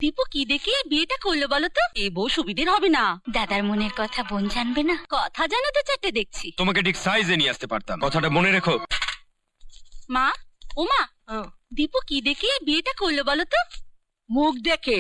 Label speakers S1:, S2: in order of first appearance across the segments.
S1: দীপু কি দেখে বিয়েটা করলো বলো তো? এ বউ সুবিধের হবে না।
S2: দাদার মনের কথা বোন জানবে না।
S1: কথা জানো তো চারটে দেখছি।
S3: তোমাকে ঠিক সাইজে নিয়ে আসতে পারতাম, কথাটা মনে রেখো।
S1: মা, ও মা, দীপু কি দেখে বিয়েটা করলো বলো তো?
S4: মুখ দেখে।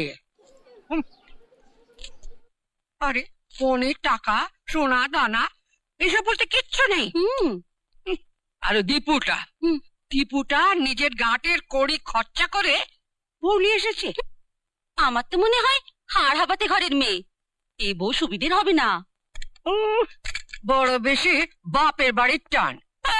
S4: আরে ফোনের টাকা, সোনা দানা এসব বলতে কিচ্ছু নেই। আরে দীপুটা নিজের গাঁটের কড়ি খরচা করে বউ নিয়ে এসেছে।
S1: আমার তো মনে হয় হাড় হাবাতে ঘরের মেয়ে। এ বউ সুবিধের হবে না।
S4: বড় বেশি বাপের বাড়ির টান।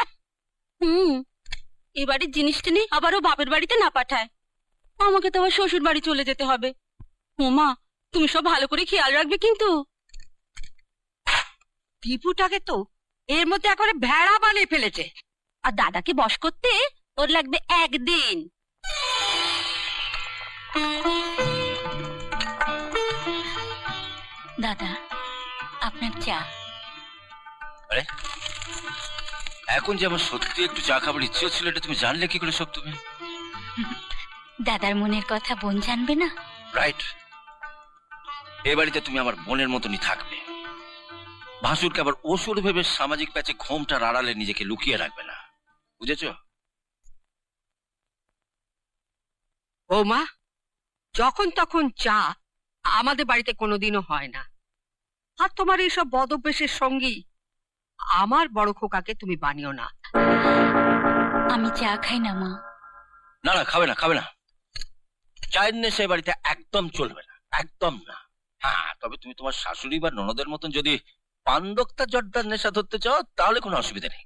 S1: এ বাড়ির জিনিসটা নেই আবারও বাপের বাড়িতে না পাঠায়। আমাকে তো আবার শ্বশুর বাড়ি চলে যেতে হবে। ওমা, তুমি সব ভালো করে খেয়াল রাখবে কিন্তু।
S4: দীপুটাকে তো এর মধ্যে একেবারে ভেড়া বানিয়ে ফেলেছে।
S1: আর দাদাকে বশ করতে ওর লাগবে একদিন।
S2: দাদা, আপনার চা।
S5: আরে এখন যে আমার সত্যি একটু চা খাবার ইচ্ছে ছিল, এটা তুমি জানলে কি করে সব? তুমি
S2: দাদার মনের কথা বোন জানবে না।
S5: রাইট, এ বাড়িতে তুমি আমার বোনের মতনই থাকবে। ভাসুরকে আবার অসুর ভেবে সামাজিক প্যাচে ঘোমটার আড়ালে নিজেকে লুকিয়ে রাখবে না, বুঝেছো?
S4: ও মা, যখন তখন চা আমাদের বাড়িতে কোনোদিনও হয় না। আর তোমার এইসব বদভ্যাসের সঙ্গী আমার বড় খোকাকে তুমি বানিও না।
S2: আমি চা খাই না মা।
S5: না না, খাবে না, খাবে না। চায়ের নেশা এ বাড়িতে একদম চলবে না, একদম না। হ্যাঁ, তবে তুমি তোমার শাশুড়ি বা ননদের মতন যদি পান্দক্তা জর্দার নেশা ধরতে চাও তাহলে কোনো অসুবিধা নেই।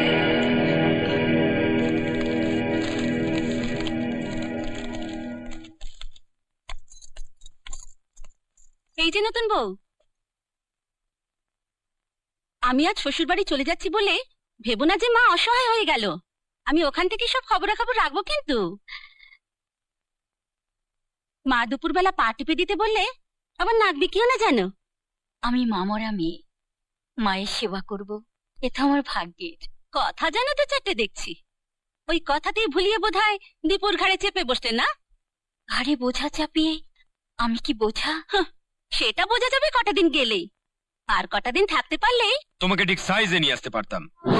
S1: এই যে নতুন বউ, আমি আজ শ্বশুর বাড়ি চলে যাচ্ছি বলে ভেবো না যে মা অসহায় হয়ে গেল। আমি ওখান থেকে সব খবরাখবর রাখবো কিন্তু। মা দুপুরবেলা পা টিপে দিতে বললে আবার নাক বিকিও না জানো।
S2: আমি মামরা মেয়ে, মায়ের সেবা করব, এটা আমার ভাগ্যের।
S1: কথা জানো তো চারটে দেখছি। ওই কথাতেই ভুলিয়ে বোধহয় দীপুর ঘাড়ে চেপে বসলেন না?
S2: ঘাড়ে বোঝা চাপিয়ে আমি কি বোঝা?
S1: সেটা বোঝা যাবে কটা দিন গেলেই। আর কটা দিন থাকতে পারলেই
S3: তোমাকে ঠিক সাইজে নিয়ে আসতে পারতাম।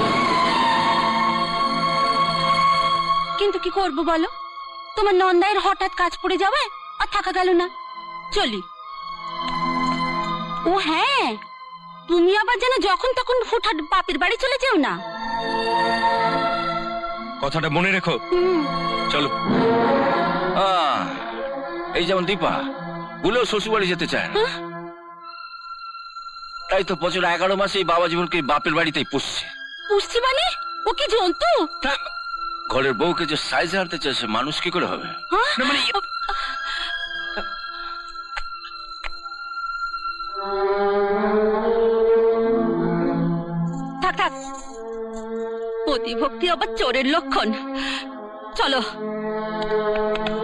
S1: কিন্তু কি করবো বলো, তোমার নন্দায়ের হঠাৎ কাজ পড়ে যাবে আর থাকা গেল না। চলি। ও হ্যাঁ, তুমি আবার যেন যখন তখন হুটহাট বাপের বাড়ি চলে যেও না।
S3: কথাটা মনে রেখো। চলো।
S5: এই যেমন দীপা বলেও শ্বশুর বাড়ি যেতে চায় না, তাই তো বছর 11 মাসে এই বাবা জীবনকে বাপের বাড়িতেই পুষছে।
S1: পুষছি মানে ও কি জন্তু?
S5: ঘরের বউকে যে সাইজে আনতে চাইছে, মানুষ কি করে হবে?
S3: না মানে
S1: থাক থাক, অতিভক্তি আবার চোরের লক্ষণ। চলো।